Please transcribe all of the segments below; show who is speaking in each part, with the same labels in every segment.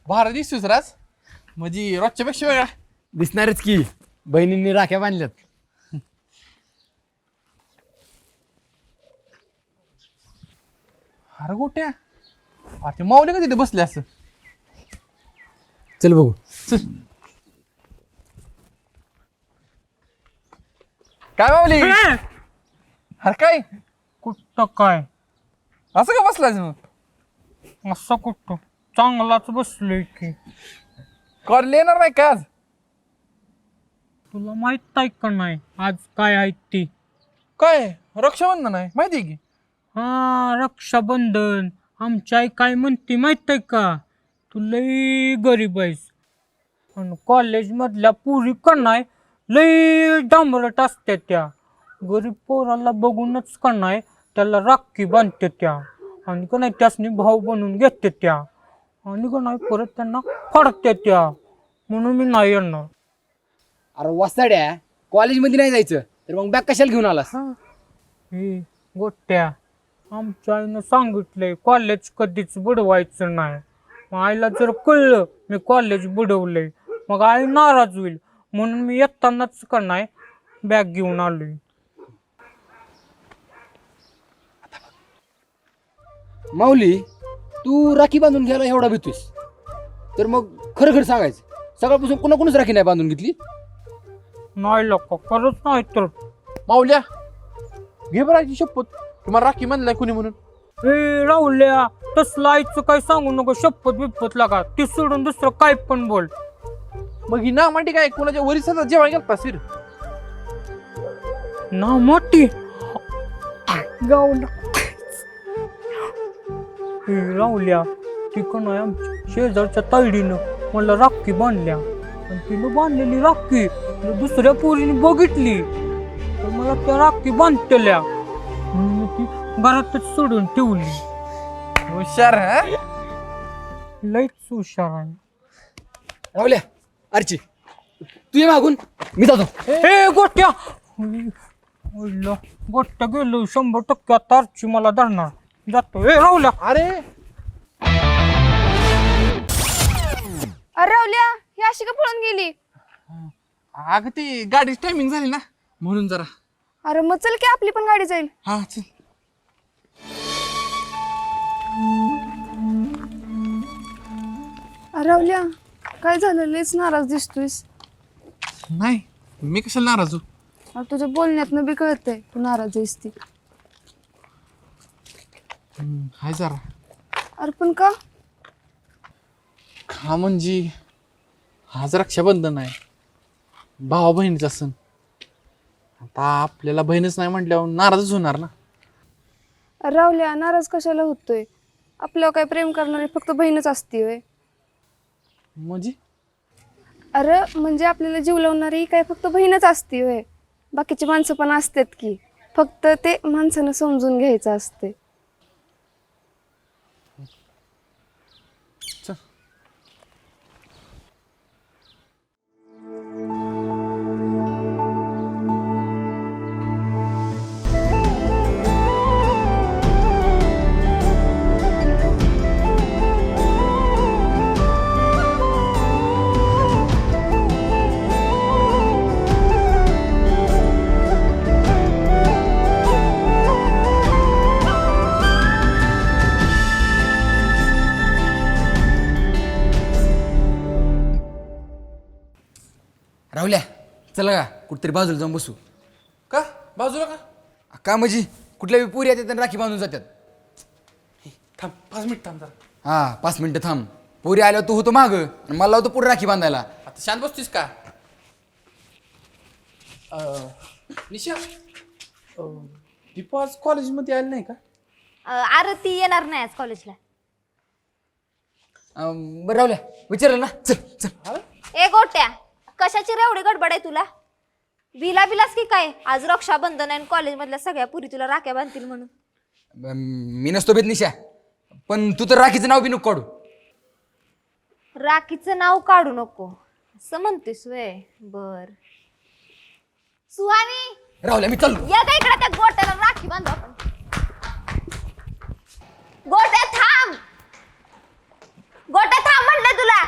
Speaker 1: भारत दिसतोस राज म्हणजे रोजच्या पेक्षा वेगळा
Speaker 2: दिसणारच की बहिणींनी राख्या बांधल्यात.
Speaker 1: अरे गोट्या ते माऊली का तिथे बसले असं.
Speaker 2: चल बघू.
Speaker 1: चल. काय माऊली अरे काय
Speaker 3: कुठं काय
Speaker 1: असं का बसलायस मग
Speaker 3: असं कुठं चांगलाच बसलोय की.
Speaker 1: कॉलेज येणार नाही का आज.
Speaker 3: तुला माहित आहे का नाही आज काय आहे ती?
Speaker 1: काय रक्षाबंधन आहे माहिती आहे की.
Speaker 3: हा रक्षाबंधन. आमची आई काय म्हणते माहित आहे का? तू लई गरीब आहेस पण कॉलेजमधल्या पुरी का नाही लई डांबरट असते त्या. गरीब पोराला बघूनच का नाही त्याला राखी बांधते त्या आणि का नाही त्यासनी भाऊ बनवून घेते त्या आणि का नाही परत त्यांना फाडते त्या. म्हणून मी नाही येणार.
Speaker 2: अरे वसाड्या कॉलेजमध्ये नाही जायचं तर मग बॅग कशाला घेऊन आलास?
Speaker 3: हे गोट्या आमच्या आईनं सांगितलंय कॉलेज कधीच बुडवायचं नाही. मग आईला जर कळलं मी कॉलेज बुडवलंय मग आई नाराज होईल म्हणून मी येतानाच का नाही बॅग घेऊन आलोय.
Speaker 2: माऊली तू राखी बांधून घ्यायला एवढा भीतोस तर मग खरं खरं सांगायचं सकाळपासून कोणाकोणच राखी नाही बांधून घेतली?
Speaker 3: नाही लोक खरंच नाही तर.
Speaker 1: माऊल्या घे बराची शपथ तुम्हाला राखी म्हणलाय कुणी म्हणून.
Speaker 3: हे राहुल्या तसलं आईचं काय सांगू नको. शपथ बिपत लागा ती सोडून दुसरं काय पण बोल.
Speaker 1: मग ही ना मांडी काय कोणाच्या वरिष्ठाचा जेवण गेलता सिर.
Speaker 3: ना मोठी गावला राहुल्या ती का नाही आमच्या शेजारच्या ताईडीनं मला राखी बांधल्या आणि तिनं बांधलेली राखी दुसऱ्या पोरीने बघितली तर मला त्या राखी बांधलेल्या म्हणून मी ती घरातच सोडून ठेवली.
Speaker 1: हुशार हा.
Speaker 3: लईच हुशार आहे.
Speaker 2: राहुल्या अर्ची तू ये मागून मी जातो.
Speaker 3: हे गोट्या गोट्या गेलो 100% आता आरची मला धरणार. जातो. हे राहुल्या
Speaker 1: अरे
Speaker 4: अरे रावल्या ही अशी का पळून गेली?
Speaker 1: अगं ती गाडीची टायमिंग झाली ना म्हणून जरा.
Speaker 4: अरे मग चल की आपली पण गाडी जाईल.
Speaker 1: हा चल.
Speaker 4: अरे रावल्या काय झालं लयच नाराज दिसतोयस.
Speaker 1: नाही मी कशाला नाराज होऊ.
Speaker 4: अरे तुझ्या बोलण्यातनं बी कळतंय तू नाराज आहेस ती.
Speaker 1: हाय जरा.
Speaker 4: अरे पण का?
Speaker 1: हा म्हणजे आज रक्षाबंधन आहे भावा बहिणीचा सण. आता आपल्याला बहीणच नाही म्हटल्यावर नाराजच होणार ना.
Speaker 4: अरे रावल्या नाराज कशाला होतोय? आपल्यावर काय प्रेम करणारी फक्त बहीणच असते होय.
Speaker 1: म्हणजे
Speaker 4: अरे म्हणजे आपल्याला जीव लावणारी काय फक्त बहीणच असते होय. बाकीची माणसं पण असतात की फक्त ते माणसानं समजून घ्यायचं असते.
Speaker 1: चल.
Speaker 2: राहुल्या चला का कुठतरी बाजूला जाऊन बसू.
Speaker 1: का बाजूला का.
Speaker 2: का म्हणजे कुठल्या बी पुरी येतात आणि राखी बांधून जातात.
Speaker 1: थांब 5 मिनिट थांब जरा.
Speaker 2: हा 5 मिनिटं थांब. पुरी आल्यावर तू होतो माग आणि मला होतो पुढे राखी बांधायला.
Speaker 1: आता शांत बसतीस का. निशा दीपा आज कॉलेजमध्ये आली नाही का.
Speaker 5: अरे ती येणार नाही आज कॉलेजला.
Speaker 2: बरं राहुल्या विचारलं ना. चल चल.
Speaker 5: ए गोट्या कशाची रे एवढी गडबड आहे तुला? बिलास की काय आज रक्षाबंधन आहे कॉलेज मधल्या सगळ्या पुरी तुला राख्या बांधतील म्हणून.
Speaker 2: मी नसतो बेत निशा पण तू तर राखीचं नाव बी नको काढू.
Speaker 5: राखीचं नाव काढू नको असं म्हणतेस वे. बर सुहानी
Speaker 2: राहुल्या मी चाललो.
Speaker 5: या का इकडे त्या गोट्याला राखी बांधू आपण. गोट्या थांब. गोट्या थांब म्हणलं तुला.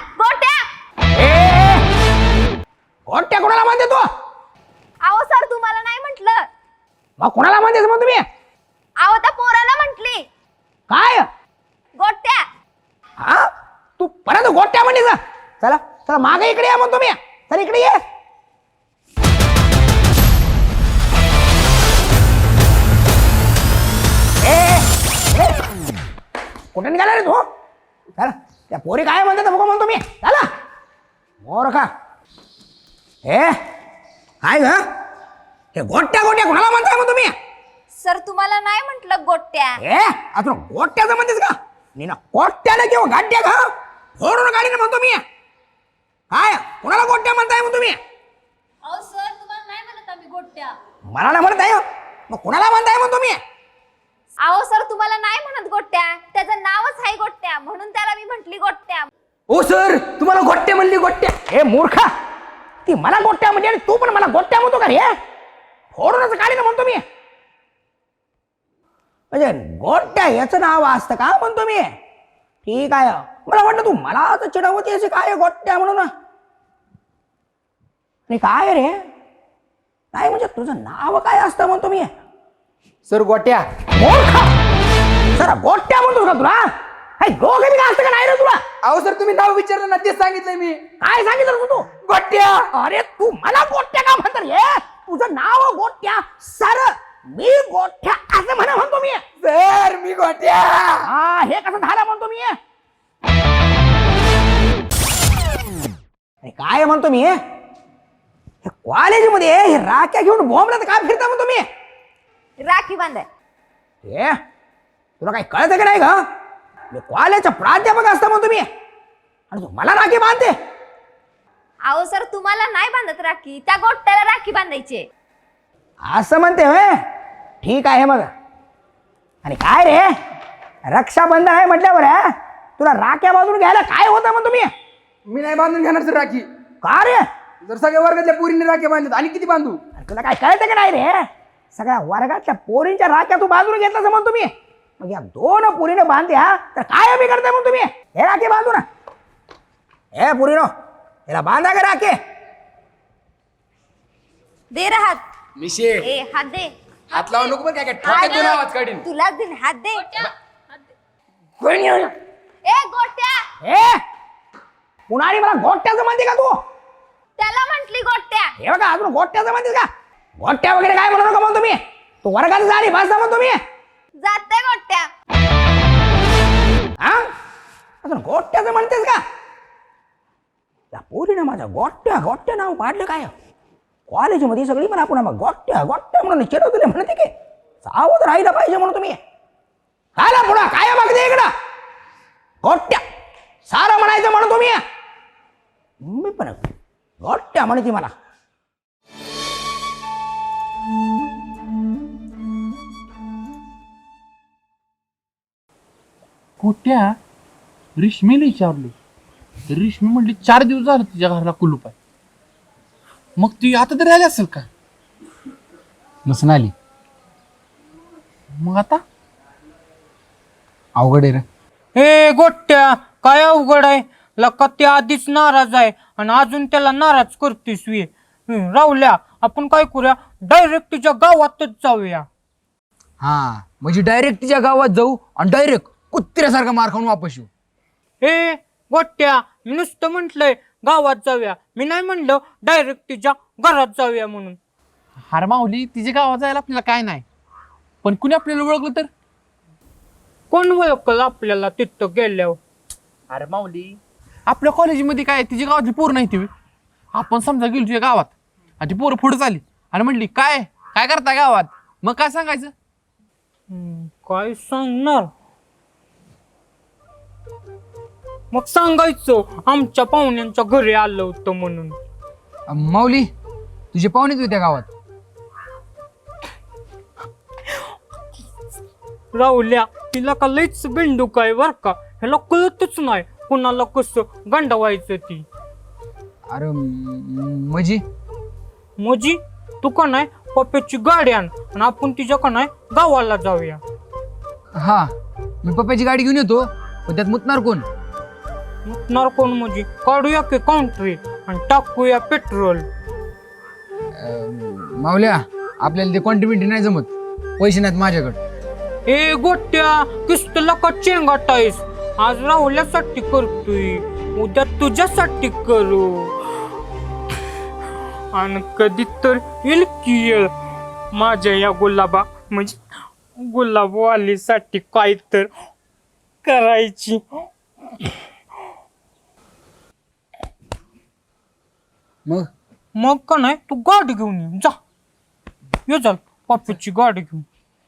Speaker 2: गोट्या कोणाला म्हणते तू?
Speaker 5: अहो सर तुम्हाला नाही म्हटलं.
Speaker 2: मग कोणाला म्हणतेस मग तुम्ही?
Speaker 5: अहो त्या पोराला म्हटली
Speaker 2: काय
Speaker 5: गोट्या.
Speaker 2: हा तू परत गोट्या म्हणते का? चला चला मागे इकडे या मग तुम्ही. चला इकडे ये. कुठे निघाला रे तू? चला त्या पोरी काय म्हणतात बघा म्हणतो मी. चला मोर का हे काय ग? हे गोट्या गोट्या कोणाला म्हणताय मग तुम्ही?
Speaker 5: सर तुम्हाला नाही म्हटलं गोट्या.
Speaker 2: हे आता गोट्याचं म्हणतेस का? मी ना गोट्याला किंवा गाड्या का फोडून गाडीने म्हणतो मी. काय कोणाला गोट्या म्हणताय मग तुम्ही?
Speaker 5: अहो सर तुम्हाला नाही म्हणत आम्ही गोट्या.
Speaker 2: मला नाही म्हणत आहे. मग कोणाला म्हणताय मग तुम्ही?
Speaker 5: अहो सर तुम्हाला नाही म्हणत गोट्या, त्याचं नावच आहे गोट्या म्हणून त्याला मी म्हटली गोट्या.
Speaker 2: ओ सर तुम्हाला गोट्या म्हणली गोट्या? हे मूर्खा, ती मला गोट्या म्हणजे आणि तू पण मला गोट्या म्हणतो का रे? फोडूनच गाडीने म्हणतो मी. म्हणजे गोट्या याचं नाव असतं का म्हणतो मी? ठीक आहे. मला वाटलं तू मला आता चिडवती असे काय गोट्या म्हणून. आणि काय रे काय म्हणजे तुझं नाव काय असतं म्हणतो मी?
Speaker 1: सर गोट्या.
Speaker 2: मूर्खा, सर गोट्या म्हणतो का तुला? काही डोकं बी असतं का नाही रे तुला?
Speaker 1: अहो सर तुम्ही नाव विचारलं ना तेच सांगितलंय मी.
Speaker 2: काय सांगितलं तू? गोट्या. अरे तू मला गोट्या का म्हणतात रे? तुझं नाव गोट्या. सर मी गोट्या असं म्हणतो मी.
Speaker 1: सर मी गोट्या.
Speaker 2: हा हे कसं झालं म्हणतो मी? अरे काय म्हणतो मी? कॉलेजमध्ये हे राख्या घेऊन बॉम्बला काय फिरता म्हणतो मी?
Speaker 5: राखी बांधाय.
Speaker 2: हे तुला काही कळतं की नाही का? मी कॉलेजचा प्राध्यापक असता म्हणतो मी आणि तू मला राखी बांधते.
Speaker 5: अहो सर तुम्हाला नाही बांधत राखी, त्या गोट्याला राखी बांधायची.
Speaker 2: असं म्हणते होय. ठीक आहे मग. आणि काय रे रक्षाबंधन आहे म्हटल्यावर तुला राख्या बांधून घ्यायला काय होतं म्हणतो मी?
Speaker 1: मी नाही बांधून घेणार सर राखी.
Speaker 2: का रे?
Speaker 1: जर सगळ्या वर्गातल्या पोरीने राख्या बांधल्यात आणि किती बांधू?
Speaker 2: अरे तुला काय कळतं की नाही रे? सगळ्या वर्गातल्या पोरींच्या राख्या तू बांधून घेतलास म्हणतो मी. मग या दोन पोरीने बांधल्या तर काय बिघडतंय म्हणतो मी? हे राखी बांधू ना. हे पोरीनो याला बांधा का राखे?
Speaker 5: दे रे हात.
Speaker 1: मिशे
Speaker 5: ए हात दे.
Speaker 1: हात लावू नको पण काय काय ठोक्यात देऊन आवाज काढीन.
Speaker 5: तुलाच दे हात दे.
Speaker 2: कोणी येऊ ना?
Speaker 5: ए गोट्या.
Speaker 2: हे पुन्हा मला गोट्याचं म्हणते का तू?
Speaker 5: त्याला म्हटली गोट्या.
Speaker 2: हे बघा अजून गोट्याचं म्हणतेस का? गोट्या वगैरे काय म्हणू नका म्हणतो मी. तू वर्गात झाली बस म्हणतो मी.
Speaker 5: जाते गोट्या.
Speaker 2: हा अजून गोट्याचं म्हणतेस का? त्या पोरीने माझ्या गोट्या गोट्या नाव पाडलं काय? कॉलेजमध्ये सगळी मला पुन्हा मग गोट्या गोट्या म्हणून चिडवतले म्हणते की सावध राहिलं पाहिजे म्हणून तुम्ही. काय पुन्हा काय मागते इकडं? गोट्या सारं म्हणायचं म्हणून तुम्ही. मी पण गोट्या म्हणते मला.
Speaker 1: गोट्या रेशमीला विचारलो तर रेशमी म्हणली 4 दिवस झाले तिच्या घराला कुलूप आहे. मग ती आता तरी आली असेल का?
Speaker 2: नसून आली.
Speaker 1: मग आता
Speaker 2: अवघड आहे रे.
Speaker 3: हे गोट्या काय अवघड आहे? लका ते आधीच नाराज आहे आणि अजून त्याला नाराज करतेस वे. राहुल्या आपण काय करूया, डायरेक्ट तिच्या गावातच जाऊया.
Speaker 2: हा म्हणजे डायरेक्ट तिच्या गावात जाऊ आणि डायरेक्ट कुत्र्यासारखा मार खाऊन वापस येऊ.
Speaker 3: हे गोट्या मी नुसतं म्हटलंय गावात जाऊया, मी नाही म्हणलं डायरेक्ट तिच्या घरात जाऊया म्हणून.
Speaker 1: हार माऊली तिच्या गावात जायला आपल्याला काय नाही, पण कुणी आपल्याला ओळखलं तर?
Speaker 3: कोण ओळखलं आपल्याला तिथं गेल्यावर?
Speaker 1: अरे माऊली आपल्या कॉलेजमध्ये काय तिच्या गावातली पोरं नाही ती. आपण समजा गेलो तुझ्या गावात आणि ती पोरं पुढे चालली आणि म्हणली काय काय करता गावात, मग काय सांगायचं?
Speaker 3: काय सांगणार? मग सांगायचं आमच्या पाहुण्यांच्या घरी आलं होतं म्हणून.
Speaker 2: माऊली तुझे पाहुणेच होते त्या गावात.
Speaker 3: राहुल्या तिला का लईच बिंडूक आहे बर का, ह्याला कळतच नाही कुणाला कसं गंडवायचं ती.
Speaker 2: अरे म्हणजे
Speaker 3: मोजी तू का नाही पप्प्याची गाडी आण आणि आपण तिच्या का नाही गावाला जाऊया.
Speaker 2: हा मी पप्पाची गाडी घेऊन येतो, पण त्यात मुतणार कोण?
Speaker 3: मुतणार कोण म्हणजे काढूया की काउंट्री. आणि टाकूया पेट्रोल.
Speaker 6: मावल्या आपल्याला ते क्वांटिटी नाही जमत, पैसे नाहीत माझ्याकडे.
Speaker 3: ए गोट्या किस्तला का चेंगाटायस? आज राहुल्यासाठी करतोय, उद्या तुझ्यासाठी करू, आणि कधी तर येईल की येईल माझ्या या गुलाबा म्हणजे गुलाबवालीसाठी काय तर करायची. मग का नाही तू गाडी घेऊन ये जा, ये चाल पप्पूची गाडी घेऊन.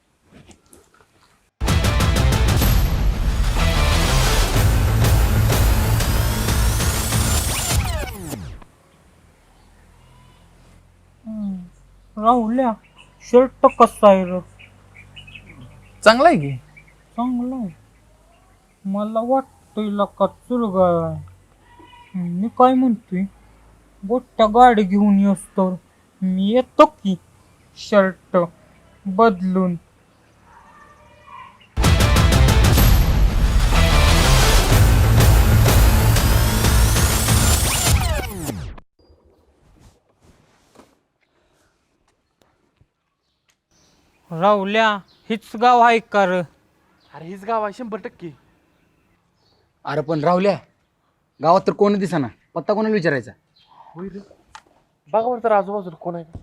Speaker 3: राहुल्या शर्ट कसा आहे रे?
Speaker 1: चांगला आहे की.
Speaker 3: चांगला आहे. मला वाटतंय का चुरगा आहे. मी काय म्हणतोय, गोट्या गाडी घेऊन येस तर मी येतो की शर्ट बदलून. राहुल्या हीच गाव आहे का र?
Speaker 1: अरे हेच गाव आहे 100%.
Speaker 6: अरे पण राहुल्या, गावात तर कोण दिसेना, पत्ता कोणाला विचारायचा?
Speaker 1: होय रे, बघा बरं तर आजूबाजूला कोण आहे का?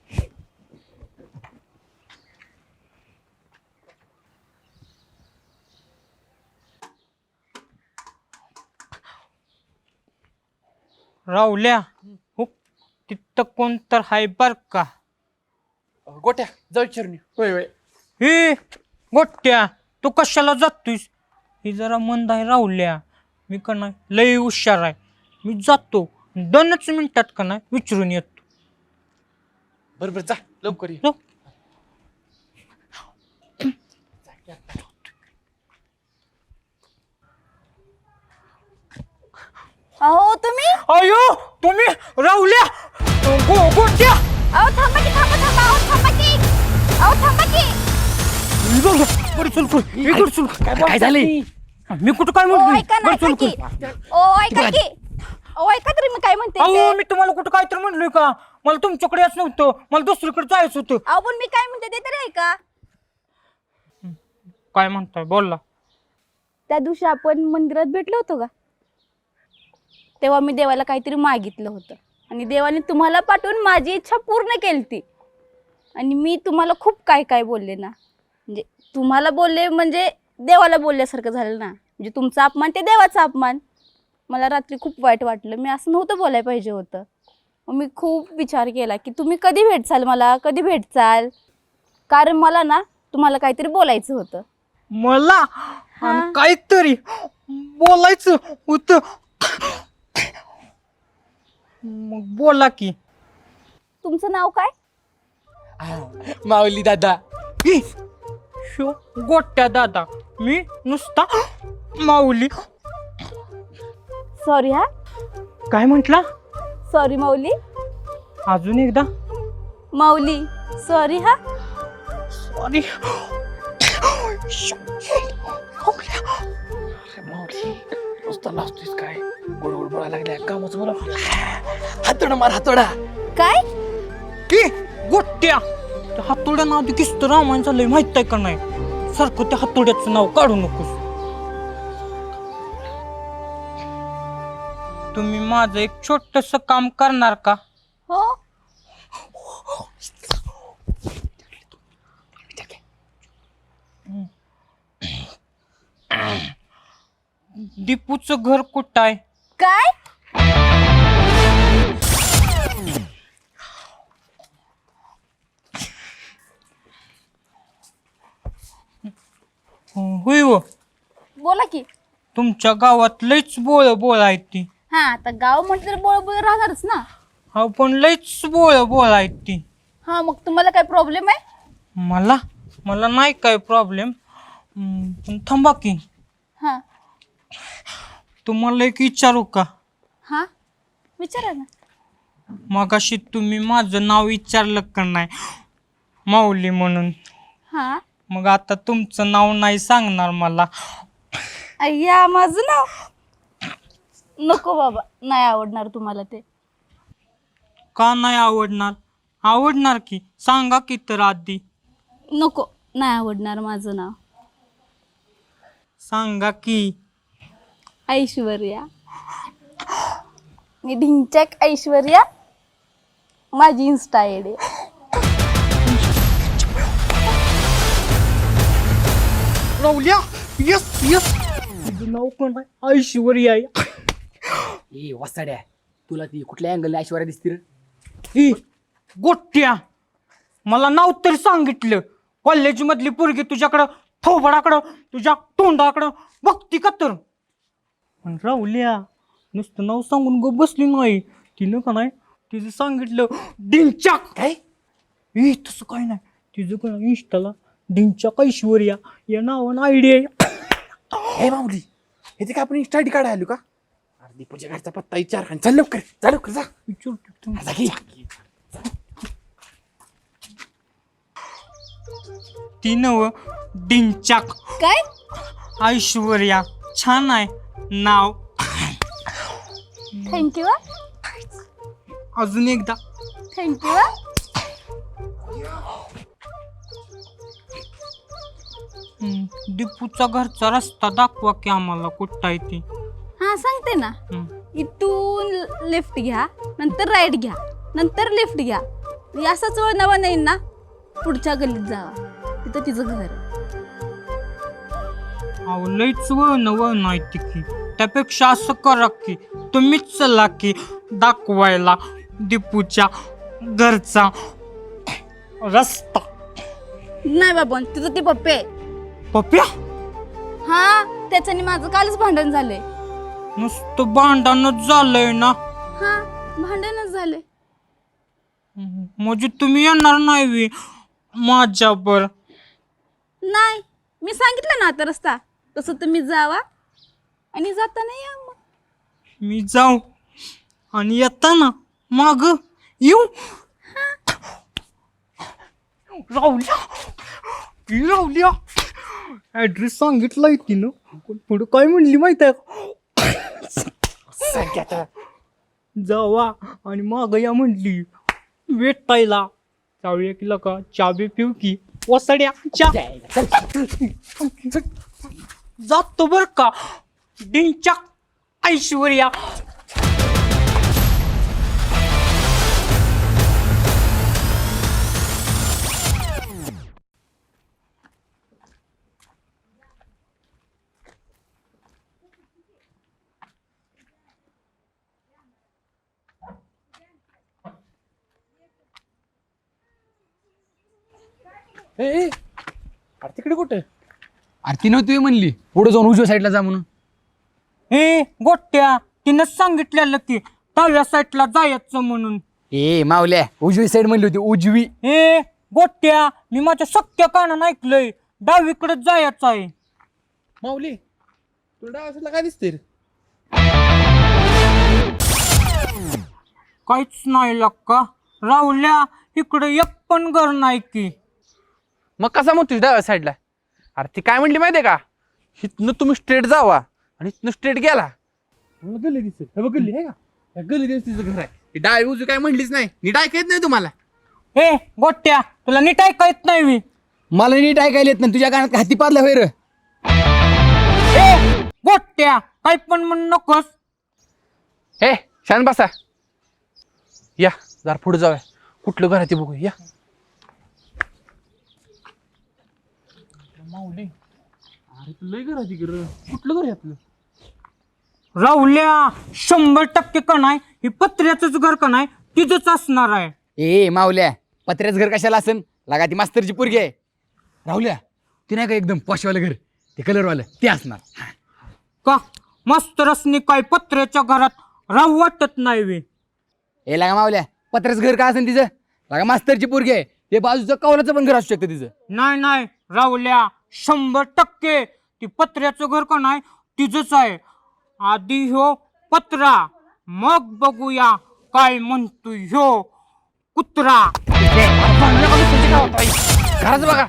Speaker 3: राहुल्या हो, तिथं कोण तर हाय बर का?
Speaker 1: गोट्या जाऊ विचारून ये. होय होय.
Speaker 3: हे गोट्या तू कशाला जातोयस? ही जरा मंद आहे राहुल्या. मी का नाही लय हुशार आहे, मी जातो 2 मिनिटात का नाही विचारून येतो.
Speaker 1: बरं बरं जा लवकर ये.
Speaker 3: जाऊ.
Speaker 5: अहो तुम्ही,
Speaker 3: अयो तुम्ही राहुल्या गोट्या.
Speaker 5: अहो थांबा की, थांबा थांबा, अहो थांबा की, अहो थांबा की.
Speaker 6: काय झाले?
Speaker 3: मी कुठं काय
Speaker 5: ओ ऐका ना,
Speaker 3: म्हणतो?
Speaker 5: ऐका की. ओ ऐका की. ओ ऐका तरी मी काय म्हणते
Speaker 3: अहो
Speaker 5: ते.
Speaker 3: मी तुम्हाला कुठं काय तर म्हणलोय का? मला तुमच्याकडे याच नव्हतं, मला दुसरीकडे जायचं होतं.
Speaker 5: अहो पण मी काय म्हणते ते तरी ऐका.
Speaker 3: काय म्हणताय बोलला?
Speaker 5: त्या दिवशी आपण मंदिरात भेटलो होतो का, तेव्हा मी देवाला काहीतरी मागितलं होतं आणि देवाने तुम्हाला पाठवून माझी इच्छा पूर्ण केली ती. आणि मी तुम्हाला खूप काय काय बोलले ना, म्हणजे तुम्हाला बोलले म्हणजे देवाला बोलल्यासारखं झालं ना, म्हणजे तुमचा अपमान ते देवाचा अपमान. मला रात्री खूप वाईट वाटलं, मी असं नव्हतं बोलायला पाहिजे होतं. मग मी खूप विचार केला की तुम्ही कधी भेटचाल, मला कधी भेटचाल, कारण मला ना तुम्हाला काहीतरी बोलायचं होतं.
Speaker 3: मला आणि काहीतरी बोलायचं होतं. मग बोला की.
Speaker 5: तुमचं नाव काय?
Speaker 1: माऊली दादा.
Speaker 3: शो गोट्या दादा, मी नुसता माऊली.
Speaker 5: सॉरी हा,
Speaker 3: काय म्हटला?
Speaker 5: सॉरी माऊली.
Speaker 3: अजून एकदा.
Speaker 5: माऊली सॉरी हा.
Speaker 3: सॉरी.
Speaker 1: नुसतं लाजतोयस काय? गोड गोड बोलायला लागल्या कामाचं बोला. हातोडा मार हातोडा.
Speaker 5: काय?
Speaker 3: की गोट्या त्या हातोड्या नाव किस्त रामायण चाललंय माहित आहे का नाही? सारखं त्या हातोड्याचं नाव काढू नकोस. तुम्ही माझं एक छोटस काम करणार का?
Speaker 5: हो.
Speaker 3: दीपूचं घर कुठं आहे?
Speaker 5: काय?
Speaker 3: होय हो.
Speaker 5: बोला की.
Speaker 3: तुमच्या गावात लईच बोळ आहेत ती.
Speaker 5: हा आता गाव म्हटलं तर बोळ बोळ राहणारच ना.
Speaker 3: हा पण लईच बोळ आहेत ती.
Speaker 5: हा मग तुम्हाला काय प्रॉब्लेम आहे?
Speaker 3: मला नाही काय प्रॉब्लेम, पण थांबा की.
Speaker 5: हा
Speaker 3: तुम्हाला एक विचारू का?
Speaker 5: हा विचारा ना.
Speaker 3: मगाशी तुम्ही माझं नाव विचारलं का नाही माऊली म्हणून?
Speaker 5: हा.
Speaker 3: मग आता तुमचं नाव नाही सांगणार मला?
Speaker 5: अय्या माझं नाव नको बाबा, नाही आवडणार तुम्हाला ते.
Speaker 3: का नाही आवडणार? आवडणार की, सांगा की तर आधी.
Speaker 5: नको, नाही आवडणार माझं नाव.
Speaker 3: सांगा की.
Speaker 5: ऐश्वर्या. मी ढिंचॅक ऐश्वर्या. माझी इन्स्टा आयडी आहे.
Speaker 3: राहुल्या, यस यस. तुझं नाव कोण आहे? ऐश्वर्या आहे.
Speaker 6: ए वसाड्या, तुला ती कुठल्या अँगलने ऐश्वर्या दिसते रे?
Speaker 3: ही गोट्या, मला नाव तरी सांगितलं. कॉलेज मधली पोरगी तुझ्याकडं थोबडाकडं तुझ्या तोंडाकडं बघती का तर? पण राहुल्या, नुसतं नाव सांगून गो बसली नाही. तिनं का नाही तिचं सांगितलं डिंचाक. काय तसं काय नाही, तिचं का इंस्टाला डिंचाक ऐश्वर्या या नावानं आयडिया आहे.
Speaker 1: हे माऊली, हे ते काय आपण स्टडी काढायला आलो का? अरे दीपूच्या घरचा पत्ता विचार आणि चल लवकर जा.
Speaker 3: विचारतो.
Speaker 1: जा की.
Speaker 3: ती नव डिंचाक
Speaker 5: काय?
Speaker 3: ऐश्वर्या. छान आहे नाव.
Speaker 5: थँक्यू.
Speaker 3: अजून एकदा.
Speaker 5: थँक्यू.
Speaker 3: दीपूचा घरचा रस्ता दाखवा की आम्हाला, कुठं आहे ती.
Speaker 5: हा सांगते ना.
Speaker 3: हम्म.
Speaker 5: इथून लेफ्ट घ्या, नंतर राईट घ्या, नंतर लेफ्ट घ्या. असाच वळणावा नाही ना, पुढच्या गल्लीत जावा, तिथं तिचं घर आहे.
Speaker 3: अहो लईच वळण नाही की. त्यापेक्षा असं करा की तुम्हीच चला की दाखवायला दीपूच्या घरचा रस्ता.
Speaker 5: नाही बाबा, तिथं ती पप्पी आहे.
Speaker 3: पप्या,
Speaker 5: हा, त्याच्याने माझं कालच भांडण झालंय.
Speaker 3: नुसतं भांडणच झालंय ना?
Speaker 5: हा, भांडणच झालंय.
Speaker 3: म्हणजे तुम्ही येणार नाही वी माझ्यावर?
Speaker 5: नाही, मी सांगितलं ना आता रस्ता, तसं तुम्ही जावा आणि जाताना या मग.
Speaker 3: मी जाऊ आणि येताना माग येऊ? राहुल्या, ऍड्रेस सांगितलाय तिनं, पण पुढं काय म्हणली माहित आहे का? जावा आणि माग या म्हणली. वेटायला जाऊया की लका, चाबी पिऊ की वसड्या जातो बर का डिंचाक ऐश्वर्या.
Speaker 1: अरे तिकडे कुठे?
Speaker 6: अरे ती नव्हती म्हणली पुढे जाऊन उजव्या साईडला जा म्हणून.
Speaker 3: हे गोट्या, तिनं सांगितलेलं की डाव्या साईडला जायचं म्हणून.
Speaker 6: ए मावल्या, उजवी साईड म्हणली होती, उजवी.
Speaker 3: हे गोट्या, मी माझ्या सख्या कानानं ऐकलंय डावीकडे जायचं आहे.
Speaker 1: माऊली, तुला डाव्या काय दिसते रे?
Speaker 3: काहीच नाही लक्का. राहुल्या, इकडे एक पण घर नाही की.
Speaker 1: मग कसा मग तुझ्या डाव्या साईडला? अरे ती काय म्हणली माहितीये का? इथनं तुम्ही स्ट्रेट जावा आणि इथनं स्ट्रेट गेला गल्ली दिसेल. हे बघ गल्ली आहे का? गल्ली दिवस तिचं घर आहे. डावी उजवी काय म्हणलीच नाही. नीट ऐकत नाही तुम्हाला?
Speaker 3: हे गोट्या, तुला नीट ऐका येत नाही मी?
Speaker 6: मला नीट ऐकायला येत नाही, तुझ्या कानात हाती पाडला होय रे.
Speaker 3: हे गोट्या, काही पण म्हणू नकोस.
Speaker 1: हे शान बसा. या जरा पुढे जाऊया. कुठलं घर आहे ते बघू या. माऊली, अरे तू लय घर आहे तिकडं. कुठलं घर आहे आपलं?
Speaker 3: राहुल्या, 100% का नाही, हे पत्र्याचंच घर का नाही तिथंच असणार आहे.
Speaker 6: ए मावल्या, पत्र्याचं घर कशाला असन? लागा ती मास्तरची पोरगी आहे. राहुल्या, ती नाही का एकदम पॉशवालं घर, ते कलरवालं ते असणार.
Speaker 3: का मास्तरसनी काय पत्र्याच्या घरात राहू वाटत नाही वे?
Speaker 6: ए लागा मावल्या, पत्र्याचं घर का असेल तिचं? लागा मास्तरची पोरगी आहे, ते बाजूचं कवलाचं पण घर असू शकतं तिचं.
Speaker 3: नाही नाही राहुल्या, 100% ती पत्र्याचं घर का नाही तिचंच आहे. आधी ह्यो पत्रा, मग बघूया काय म्हणतो ह्यो कुत्रा.
Speaker 1: घराच बघा.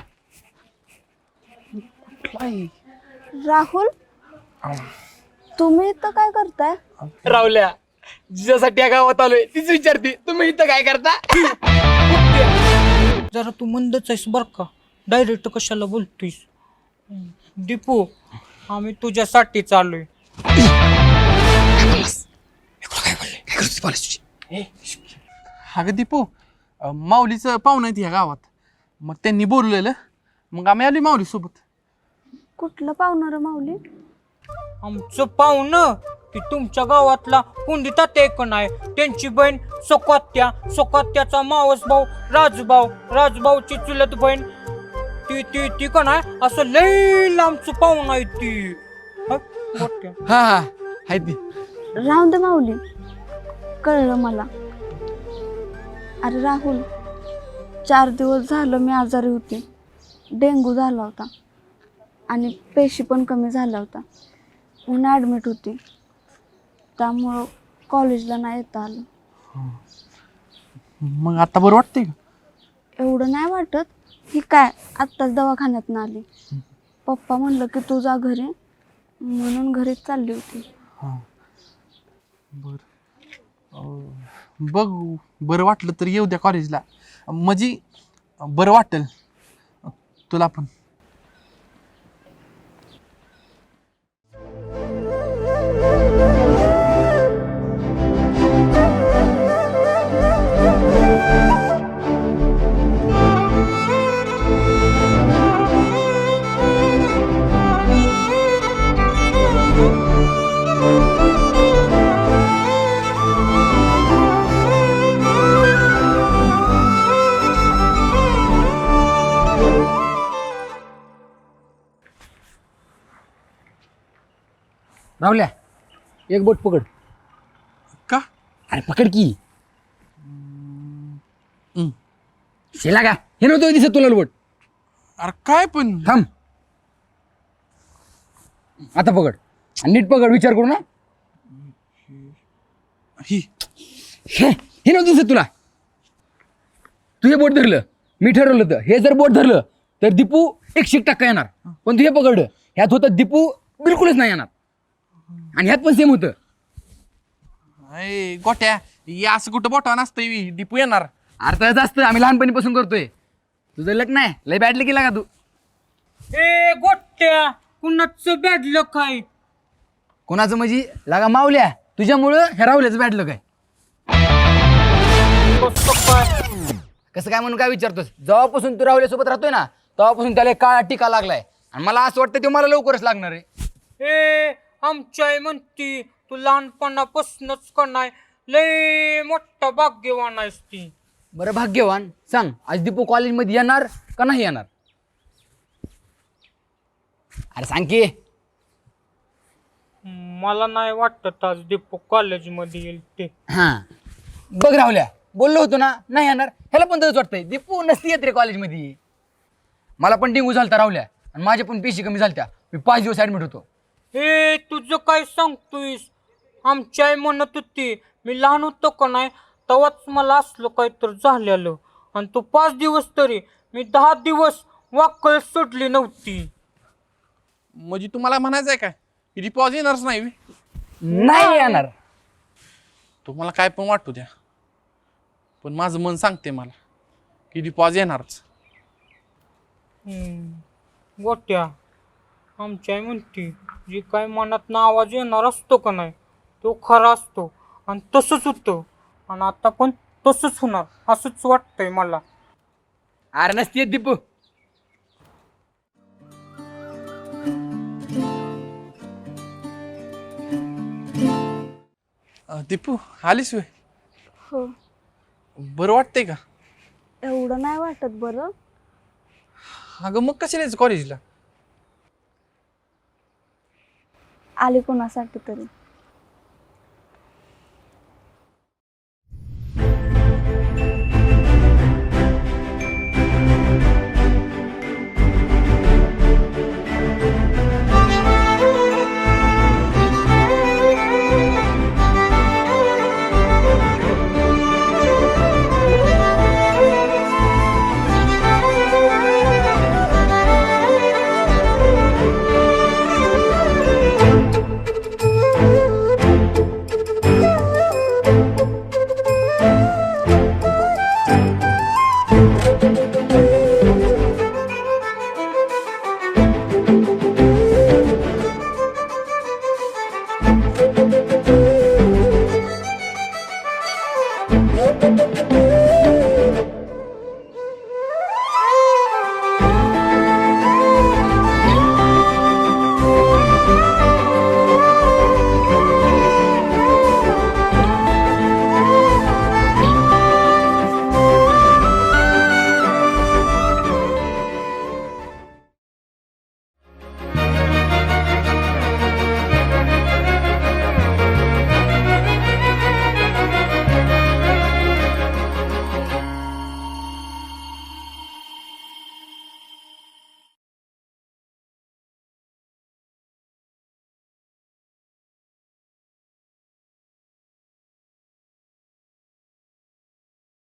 Speaker 4: राहुल, तुम्ही इथं काय करताय?
Speaker 3: राहुल्या,
Speaker 6: जिच्यासाठी या गावात आलोय तीच विचारते तुम्ही इथं काय करता.
Speaker 3: जरा तू मंदच आहेस बर का, डायरेक्ट कशाला बोलतोयस. दीपू, आम्ही तुझ्यासाठी चाललोय.
Speaker 1: अगं दीपू, माऊलीचं पाहुणं आहेत ह्या गावात, मग त्यांनी बोललेलं, मग आम्ही आलो माऊली सोबत.
Speaker 4: कुठलं पाहुणार माऊली?
Speaker 3: आमचं पाहुणं ती तुमच्या गावातला कुंडी तात्या एक नाही, त्यांची बहीण सोकात्या, सोकात्याचा मावस भाऊ राजभाऊ, राजभाऊची चुलत बहीण ती ती ती का नाही, असं लई लांबचं पाहुणं आहे ती. हं? मोठ्या.
Speaker 6: हा हा हाय ती.
Speaker 4: राहून दे माऊली, कळलं मला. अरे राहुल, 4 दिवस झालं मी आजारी होते. डेंग्यू झाला होता आणि पेशी पण कमी झाला होता, म्हणून ॲडमिट होती. त्यामुळं कॉलेजला नाही येता आलं.
Speaker 1: मग आता बरं वाटतंय का?
Speaker 4: एवढं नाही वाटत. ही काय आत्ताच दवाखान्यातनं आली. पप्पा म्हणलं की तू जा घरी, म्हणून घरीच चालली होती.
Speaker 1: हां बरं. बघ, बरं वाटलं तर येऊ द्या कॉलेजला, म्हणजे बरं वाटेल तुला पण.
Speaker 6: राहुल्या एक बोट पकड.
Speaker 1: का?
Speaker 6: अरे पकड की. शेला का हे नव्हतं दिसत तुला बोट.
Speaker 1: अरे काय पण.
Speaker 6: थांब आता पकड आणि नीट पकड, विचार करू ना.
Speaker 1: ही
Speaker 6: हे नव्हतं दिसत तुला. तू हे बोट धरलं, मी ठरवलं होतं हे जर बोट धरलं तर दीपू 100% येणार, पण तू हे पकडलं ह्यात होतं दीपू बिलकुलच नाही येणार, आणि ह्यात पण सेम होतं.
Speaker 1: अय गोट्या, या असं कुठं बोटावर नसतं, दीपू येणार.
Speaker 6: अर्थात असतं, आम्ही लहानपणीपासून करतोय. तुझं लग्न आहे लय बॅडलं केला का तू.
Speaker 3: ए गोट्या, कुणाचं बॅडलं काय?
Speaker 6: कोणाचं म्हणजे लागा मावल्या, तुझ्यामुळं ह्या राहुल्याचं बॅडलं काय. कसं काय म्हणून काय विचारतोस. जेव्हापासून तू राहुल्यासोबत राहतोय ना तेव्हापासून त्याला एक काळा टीका लागलाय, आणि मला असं वाटतं ते मला लवकरच लागणार आहे.
Speaker 3: ए आमची आई म्हणती तू लहानपणापासूनच का नाही लय मोठा भाग्यवान आहेस ती.
Speaker 6: बरं भाग्यवान, सांग आज दीपू कॉलेजमध्ये येणार का नाही येणार. अरे सांग की.
Speaker 3: मला नाही वाटत आज दीपू कॉलेजमध्ये येईल ते.
Speaker 6: हां बघ राहुल्या, बोललो होतो ना नाही येणार. ह्याला पण तसंच वाटतंय, दीपू नसती येत रे कॉलेजमध्ये. मला पण डेंग्यू झालता राहुल्या, आणि माझ्या पण पेशी कमी झालत्या. मी 5 दिवस ॲडमिट होतो.
Speaker 3: हे तुझं काय सांगतोयस. आमची आई म्हणत होती मी लहान होतो का नाही तेव्हाच मला असलं काहीतरी झालेलं, आणि तो 5 दिवस तरी मी 10 दिवस वाकळ सोडली नव्हती.
Speaker 1: म्हणजे तुम्हाला म्हणायचं आहे काय की दीपू आज येणारच नाही?
Speaker 6: नाही येणार.
Speaker 1: तुम्हाला काय पण वाटू द्या, पण माझं मन सांगते मला की दीपू आज येणारच.
Speaker 3: गोट्या, आमची आई म्हणती जी काय मनात आवाज येणार असतो का नाही तो खरा असतो, आणि तसंच होतं, आणि आता पण तसंच होणार असंच वाटतंय मला.
Speaker 6: अरे नसती येत दीपू.
Speaker 1: दीपू आलीस वे?
Speaker 4: हो.
Speaker 1: बरं वाटतंय का?
Speaker 4: एवढं नाही वाटत बरं.
Speaker 1: अगं मग कशाला यायचं कॉलेजला?
Speaker 4: आली कोणासाठी तरी.